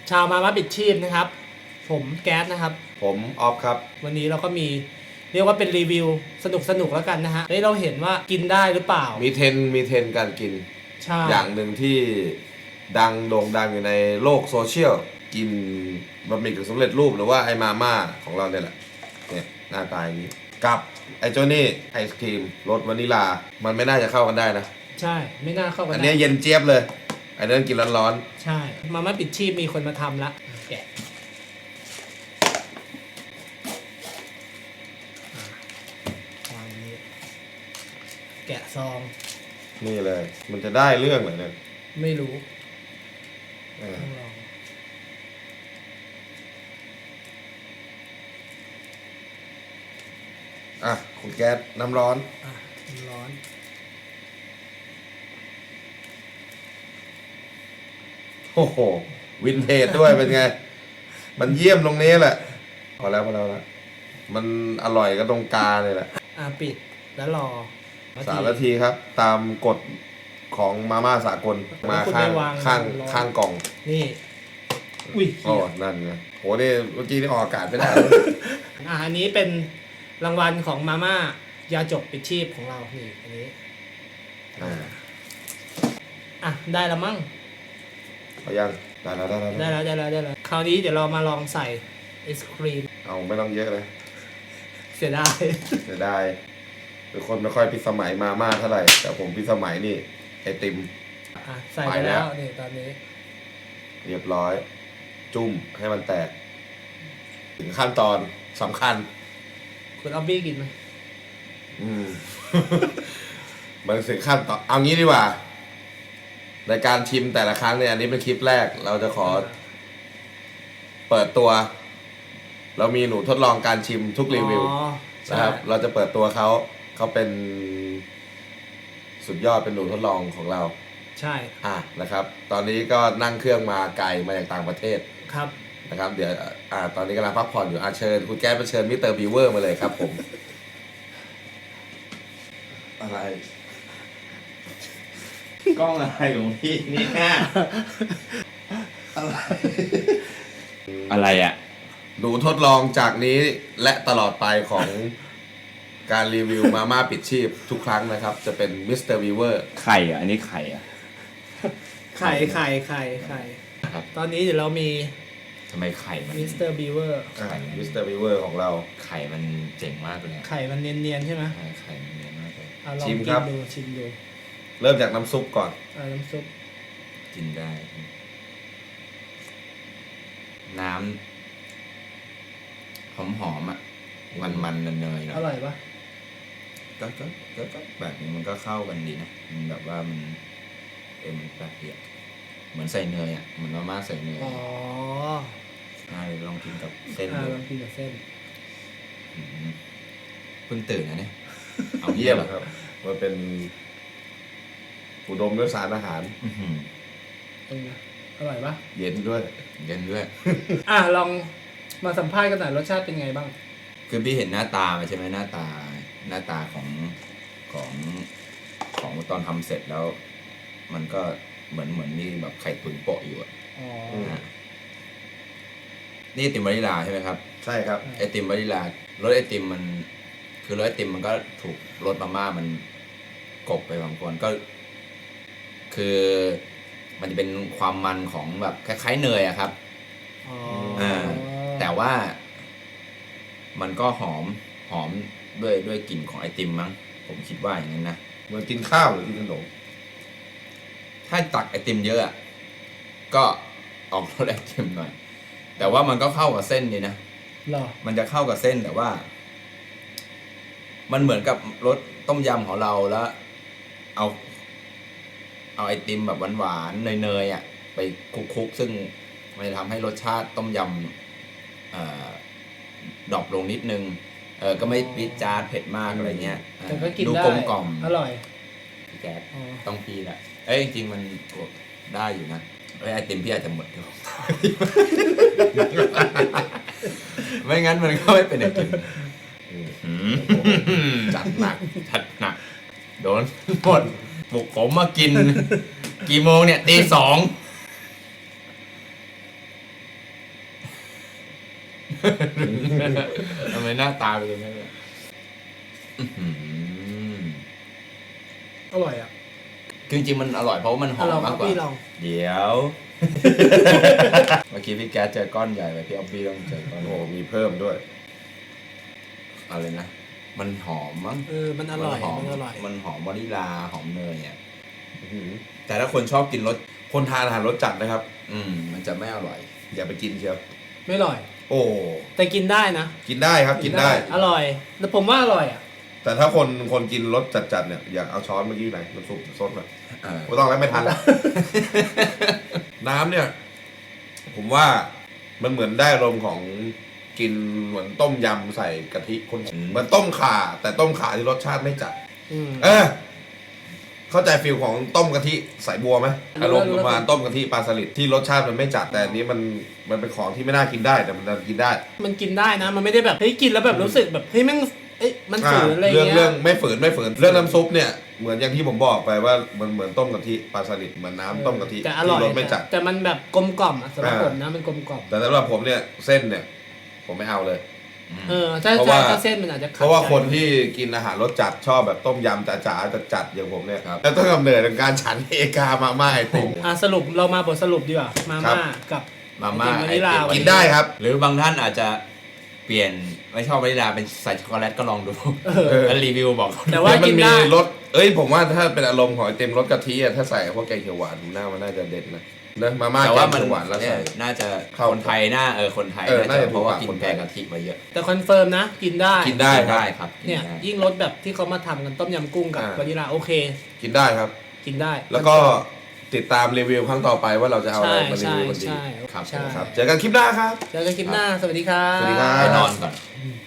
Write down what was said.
ชาวมาม่าปิดชีพนะครับผมแก๊สนะครับผมออฟครับวันนี้เราก็มีเรียกว่าเป็นรีวิวสนุกแล้วกันนะฮะเราเห็นว่ากินได้หรือเปล่ามีเทรนการกินใช่อย่างหนึ่งที่โด่งดังอยู่ในโลกโซเชียลกินบะหมี่กึ่งสำเร็จรูปหรือว่าไอมาม่าของเราเนี่ยแหละเนี่ยหน้าตาอย่างนี้กับไอเจ้านี่ไอศครีมรสวานิลามันไม่น่าจะเข้ากันได้นะใช่ไม่น่าเข้ากันอันนี้เย็นเจี๊ยบเลยอันนั้นกินร้อนๆใช่มาม่าปิดชีพมีคนมาทำละแกะวางนี้แกะซองนี่เลยมันจะได้เรื่องเหรอเนี่ยไม่รู้ต้องลองคุณแก๊สน้ำร้อนน้ำร้อนโอ้โหวินเทจด้วยเป็นไงมันเยี่ยมตรงนี้แหละพอแล้วมันอร่อยก็ตรงกาเลยแหละปิดแล้วรอ 3 นาทีครับตามกฎของมาม่าสากลมาข้างกล่องนี่อุ้ยอ๋อนั่นไงโหนี่เมื่อกี้นี่ออกอากาศไม่ได้อันนี้เป็นรางวัลของมาม่ายาจกปิดชีพของเรานี่อันนี้ได้แล้วมั้งเอายังได้แล้วคราวนี้เดี๋ยวเรามาลองใส่ไอศครีมเอาไม่ต้องเยอะเลยเสียดายเป็นคนไม่ค่อยพิสมัยมาม่าเท่าไหร่แต่ผมพิสมัยนี่ไอติมใส่ไปแล้วนี่ตอนนี้เรียบร้อยจุ่มให้มันแตกถึงขั้นตอนสำคัญคุณออบบี้กินไหมมันถึงขั้นตอนเอางี้ดีกว่าในการชิมแต่ละครั้งเนี่ยอันนี้เป็นคลิปแรกเราจะขอเปิดตัวเรามีหนูทดลองการชิมทุกรีวิวนะครับเราจะเปิดตัวเขาเป็นสุดยอดเป็นหนูทดลองของเราใช่นะครับตอนนี้ก็นั่งเครื่องมาไกลมาจากต่างประเทศครับนะครับเดี๋ยวตอนนี้กำลังพักผ่อนอยู่เชิญคุณแก๊สมาเชิญมิสเตอร์บีเวอร์มาเลยครับผมอะไรกล้องอะไรของพี่นี่แค่อะไรอ่ะหนูทดลองจากนี้และตลอดไปของการรีวิวมาม่าปิดชีพทุกครั้งนะครับจะเป็นมิสเตอร์บีเวอร์ไข่อ่ะอันนี้ไข่อ่ะไข่ตอนนี้เดี๋ยวเรามีทำไมไข่มันมิสเตอร์บีเวอร์มิสเตอร์บีเวอร์ของเราไข่มันเจ๋งมากเลยไข่มันเนียนๆใช่ไหมไข่มันเนียนมากเลยชิมครับชิมดูเริ่มจากน้ำซุปก่อนน้ำซุปกินได้น้ำหอมอ่ะมันเนยอร่อยปะก็แบบนี้มันก็เข้ากันดีนะมันแบบว่ามันแบบเดียวเหมือนใส่เนยอ่ะเหมือนมาม่าใส่เนยลองกินกับเส้นดูลองกินกับเส้นเพิ่งตื่นนะเนี่ยเอาเยี่ยมครับมันเป็นอุดมด้วยสารอาหารอร่อยปะเย็นด้วยลองมาสัมภาษณ์กันหน่อยรสชาติเป็นไงบ้างคือพี่เห็นหน้าตาใช่ไหมหน้าตาของตอนทำเสร็จแล้วมันก็เหมือนมีแบบไข่ตุ๋นโปะอยู่นี่ไอติมวานิลาใช่ไหมครับใช่ครับไอติมวานิลารสไอติมมันคือรสไอติมมันก็ถูกรสมาม่ามันกบไปบางคนก็คือมันจะเป็นความมันของแบบคล้ายๆเนยอะครับแต่ว่ามันก็หอมด้วยกลิ่นของไอติมมั้งผมคิดว่าอย่างนั้นนะเหมือนกินข้าวหรือกินขนมถ้าตักไอติมเยอะก็ออกรสไอติมหน่อยแต่ว่ามันก็เข้ากับเส้นดีนะมันจะเข้ากับเส้นแต่ว่ามันเหมือนกับรสต้มยำของเราแล้วเอาไอติมแบบหวานๆเนยไปคลุกซึ่งมันจะทำให้รสชาติต้มยำดรอปลงนิดนึงก็ไม่ปิดจาดเผ็ดมากอะไรเงี้ยแต่ก็กินได้กลมกล่อมอร่อยพี่แก๊สต้องพี่แหละจริงๆมันได้อยู่นะไอติมพี่อาจจะหมดไม่งั้นมันก็ไม่เป็นไอติมจัดหนักโดนหมดปลุกผมมากินกี่โมงเนี่ยตี 2 ทำไมหน้าตาเป็นอย่างนั้นเนี่ยอื้อหืออร่อยอ่ะคือจริงๆมันอร่อยเพราะว่ามันหอมลองมากกว่าพี่ลองเดี๋ยว เมื่อกี้พี่แก๊สเจอก้อนใหญ่ไปพี่ออฟฟี่ต้องเจอก้อนโอ้โหมีเพิ่มด้วยอะไรนะ มันหอมมั้งมันอร่อยหอมมันอร่อยมันหอมวานิลาหอมเนยอ่ะอื้อหือแต่ถ้าคนชอบกินรสคนทานอาหารรสจัดนะครับมันจะไม่อร่อยอย่าไปกินเชียวไม่อร่อยโอ้แต่กินได้นะกินได้ครับกินได้อร่อยแต่ผมว่าอร่อยอ่ะแต่ถ้าคนกินรสจัดๆเนี่ยอยากเอาช้อนเมื่อกี้ไหนมันซุปซดหน่อยเออไม่ต้องแล้วไม่ทันแล้ว น้ำเนี่ย ผมว่ามันเหมือนได้อารมณ์ของกินเหมือนต้มยำใส่กะทิคนเหมือนต้มข่า แต่ต้มข่าที่รสชาติไม่จัดอืมเข้าใจฟิลของต้มกะทิใส่บัวไหมรู้อารมณ์รู้ประมาณต้มกะทิปลาสลิดที่รสชาติมันไม่จัดแต่อันนี้มันเป็นของที่ไม่น่ากินได้แต่มันกินได้มันกินได้นะ มันไม่ได้แบบเฮ้ยกินแล้วแบบรู้สึกแบบเฮ้ยแม่งมันฝืนอะไรเรื่องเงี้เรื่อย งไม่ฝืนเรื่องน้ำซุปเนี่ยเหมือนอย่างที่ผมบอกไปว่ามันเหมือนต้มกะทิปลาสลิดเหมือนน้ำต้มกะทิแต่อร่อยที่รสไม่จัดแต่มันแบบกลมกล่อมอ่ะสำหรับอ่าผมนะมันกลมกล่อมแต่สำหรับผมเนี่ยเส้นเนี่ย ผมไม่เอาเลยถ้าเพราะว่าถ้าเส้นมันอาจจะขัดเพราะว่าใจคนที่กินอาหารรสจัดชอบแบบต้มยำจ๋าๆจัดๆอย่างผมเนี่ยครับแล้วต้องกำเนิดจากการฉันเอกามาม่าไอติมสรุปเรามาบทสรุปดีกว่ามาครัม่าบกับมาม่าไอติมวานิลาไอติมกินได้ครับหรือบางท่านอาจจะเปลี่ยนไม่ชอบวานิลาเป็นใส่ช็อกโกแลตก็ลองดู แล้วรีวิวบอกแต่ว่ามักินมีได้รสผมว่าถ้าเป็นอารมณ์ของไอติมรสกะทิอะถ้าใส่พวกแกงเขียวหวานมันน่าจะเด็ดนะมาม่าแต่แกว่าง มันเขียวหวานแล้วเนี่ยใส่น่าจะเข้าคนไทยคนไทยน่าจะเพราะว่าถูกปากกินคนไทแกยงกะทิมาเยอะแต่คอนเฟิร์มนะ กินได้กินได้ครับเนี่ยกิได้ยิ่งรสแบบที่เขามาทำกันต้มยำกุ้งกับอ่าวานิลาโอเคกินได้ครับกินได้แล้วก็ติดตามรีวิวครั้งต่อไปว่าเราจะเอาอะไรใช่มารีใช่วิวกันดีใช่ครับใช่ครับเจอกันคลิปหน้าครับเจอกันคลิปหน้าสวัสดีครับสวัสดีครับไปนอนก่อน